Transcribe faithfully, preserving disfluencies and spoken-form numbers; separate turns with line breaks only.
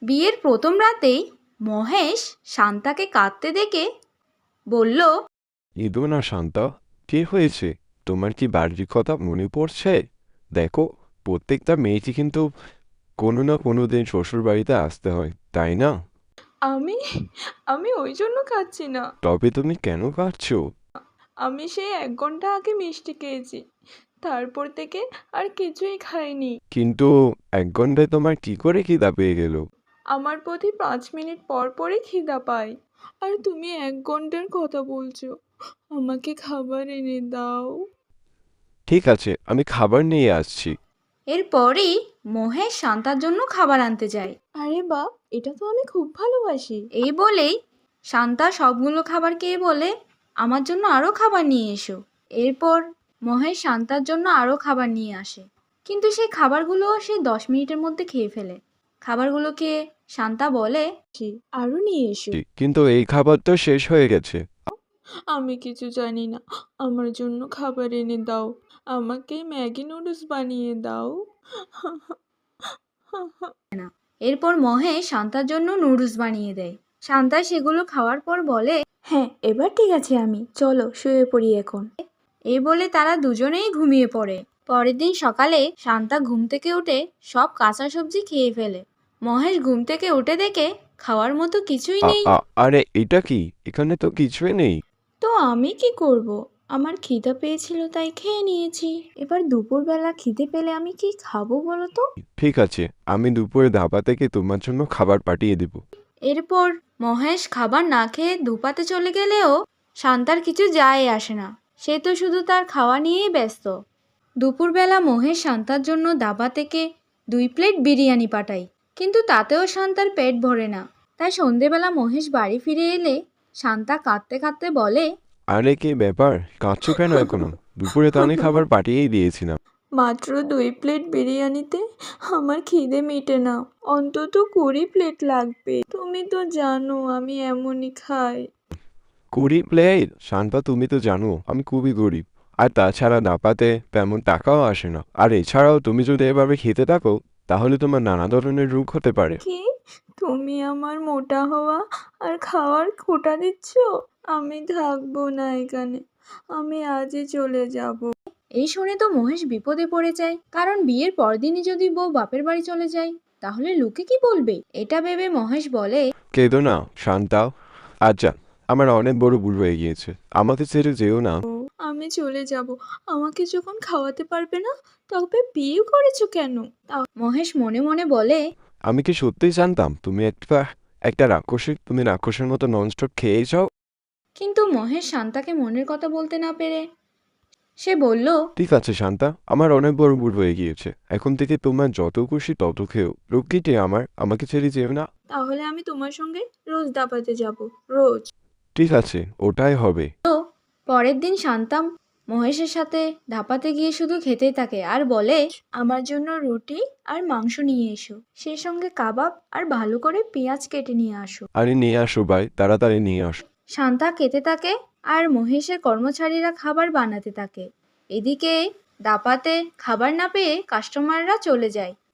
বিয়ের প্রথম রাতেই মহেশ শান্তাকে কাঁদতে দেখে বলল,
ইদো না শান্তা, কি হয়েছে? তোমার কি বাড়ির কথা মনে পড়ছে? দেখো, প্রত্যেকটা মেয়েটি কিন্তু কোনো না কোনো দিন শ্বশুর বাড়িতে আসতে হয়, তাই না?
আমি আমি ওই জন্য খাচ্ছি না।
তবে তুমি কেন কাঁদছো?
আমি সেই এক ঘন্টা আগে মিষ্টি খেয়েছি, তারপর থেকে আর কিছুই খাইনি।
কিন্তু এক ঘন্টায় তোমার কি করে খিদা পেয়ে গেল?
আমার প্রতি পাঁচ মিনিট পর পরই খিদা পায়। আর তুমি এক ঘন্টার কথা বলছো। আমাকে খাবার এনে দাও।
ঠিক আছে, আমি খাবার নিয়ে আসছি।
এরপরই মহেশ শান্তার জন্য খাবার আনতে যায়।
আরে বাহ, এটা তো আমি খুব ভালোবাসি।
এই বলেই শান্তা সবগুলো খাবার খেয়ে বলে, আমার জন্য আরও খাবার নিয়ে এসো। এরপর মহেশ শান্তার জন্য আরও খাবার নিয়ে আসে, কিন্তু সেই খাবারগুলো সে দশ মিনিটের মধ্যে খেয়ে ফেলে। খাবারগুলো খেয়ে শান্তা বলে,
আরও নিয়ে এসো।
কিন্তু এই খাবার তো শেষ হয়ে গেছে।
আমি কিছু জানি না, আমার জন্য খাবার এনে দাও। আমাকে ম্যাগি নুডলস বানিয়ে দাও।
এরপর মহেশ শান্তার জন্য নুডলস বানিয়ে দেয়। শান্তা সেগুলো খাওয়ার পর বলে,
হ্যাঁ, এবার ঠিক আছে, আমি চলো শুয়ে পড়ি এখন।
এই বলে তারা দুজনেই ঘুমিয়ে পড়ে। পরের দিন সকালে শান্তা ঘুম থেকে উঠে সব কাঁচা সবজি খেয়ে ফেলে। মহেশ ঘুম থেকে উঠে দেখে খাওয়ার মতো কিছুই
আ
নেই।
আ আরে এটা কি? এখানে তো কিছুই নেই।
তো আমি কি করব? আমার খিদা পেয়েছিল তাই খেয়ে নিয়েছি। এবার দুপুরবেলা খিদে পেলে আমি কি খাবো বলো তো?
ঠিক আছে, আমি দুপুরে ধাবা থেকে তোমার জন্য খাবার পাঠিয়ে দেব।
এরপর মহেশ খাবার না খেয়ে ধুপাতে চলে গেলেও শান্তার কিছু যায় আসে না। সে তো শুধু তার খাওয়া নিয়েই ব্যস্ত। দুপুরবেলা মহেশ শান্তার জন্য দাবা থেকে দুই প্লেট বিরিয়ানি পাঠায়, কিন্তু তাতেও শান্তার পেট ভরে না। তাই সন্ধেবেলা মহেশ বাড়ি ফিরে এলে শান্তা কাঁদতে কাঁদতে বলে,
আরে কি ব্যাপার, কাঁদছো কেন এখনো? দুপুরে তো আমি খাবার পাঠিয়েই দিয়েছিলাম।
মাত্র দুই প্লেট বিরিয়ানিতে আমার খিদে মেটে না, অন্তত কুড়ি প্লেট লাগবে। তুমি তো জানো আমি এমনই খাই।
কুড়ি প্লেট? শান্তা, তুমি তো জানো আমি খুবই গরিব। আর তাছাড়া নাপাতে তেমন টাকাও আসে না। আর এছাড়াও তুমি যদি এভাবে খেতে থাকো তাহলে তোমার নানা ধরনের রোগ হতে পারে।
কি? তুমি আমার মোটা হওয়া আর খাওয়ার খোঁটা দিচ্ছ? আমি থাকবো না এখানে, আমি আজই চলে যাব।
এই শুনে তো মহেশ বিপদে পড়ে যায়, কারণ বিয়ের পরদিনই যদি বউ বাপের বাড়ি চলে যায় তাহলে লোকে কি বলবে। এটা ভেবে মহেশ বলে,
কেঁদো না শান্তা। আচ্ছা, আমার অনেক বড় ভুল হয়ে গিয়েছে, আমাকে ছেড়ে যেও না।
আমি চলে যাব। আমাকে যখন খাওয়াতে পারবে না তবে বিয়ে করেছো কেন?
মহেশ মনে মনে বলে,
আমি কি সত্যিই জানতাম তুমি একটা একটা রাক্ষসী? তুমি রাক্ষসের মতো ননস্টপ খেয়েই যাও।
কিন্তু মহেশ শান্তাকে মনের কথা বলতে না পেরে সে বলল,
ঠিক আছে শান্তা, আমার অনেক বড় ভুল হয়ে গিয়েছে। এখন থেকে তোমার যত খুশি তত খেও, রক্ষীটে আমার, আমাকে ছেড়ে যেও না।
তাহলে আমি তোমার সঙ্গে রোজ দাপাতে যাব, রোজ।
ঠিক আছে, ওটাই হবে।
পরের দিন শান্তা মহেশের সাথে ধাপাতে গিয়ে শুধু খেতেই থাকে আর বলে,
আমার জন্য রুটি আর মাংস নিয়ে এসো, সেই সঙ্গে কাবাব আর ভালো করে পেঁয়াজ কেটে নিয়ে আসো।
আরে নিয়ে আসো ভাই, তাড়াতাড়ি নিয়ে আসো।
শান্তা খেতে থাকে আর মহেশের কর্মচারীরা খাবার বানাতে থাকে। এদিকে দাপাতে খাবার না পেয়ে কাস্টমাররা চলে যায়।